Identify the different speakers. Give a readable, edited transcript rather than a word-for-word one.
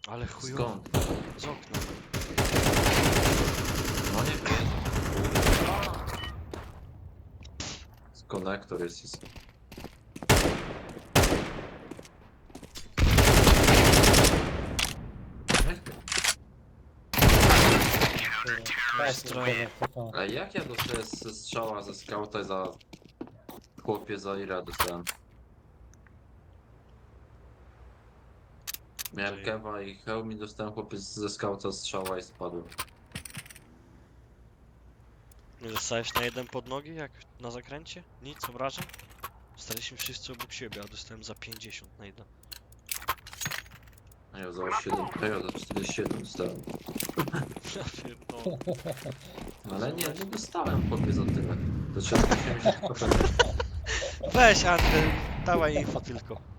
Speaker 1: Ale chujowo.
Speaker 2: Skąd?
Speaker 1: Z okna.
Speaker 2: No nie wiem. Konektor jest. A jak ja dostaję ze strzała ze skauta za... Chłopie za ile dostałem? Miałem
Speaker 1: Czyli-
Speaker 2: kewa i hełm i dostałem chłopie ze skauta strzała i spadłem.
Speaker 1: Nie dostałeś na jeden pod nogi, jak na zakręcie? Nic, obrażeń? Staliśmy wszyscy obok siebie, a dostałem za 50 na jeden.
Speaker 2: A ja za 7, a ja za 47 dostałem.
Speaker 1: Ja pierdolę.
Speaker 2: Ale nie dostałem chłopie za tyle. To trzeba 80 kopę.
Speaker 1: Weź Antel, dawaj info tylko.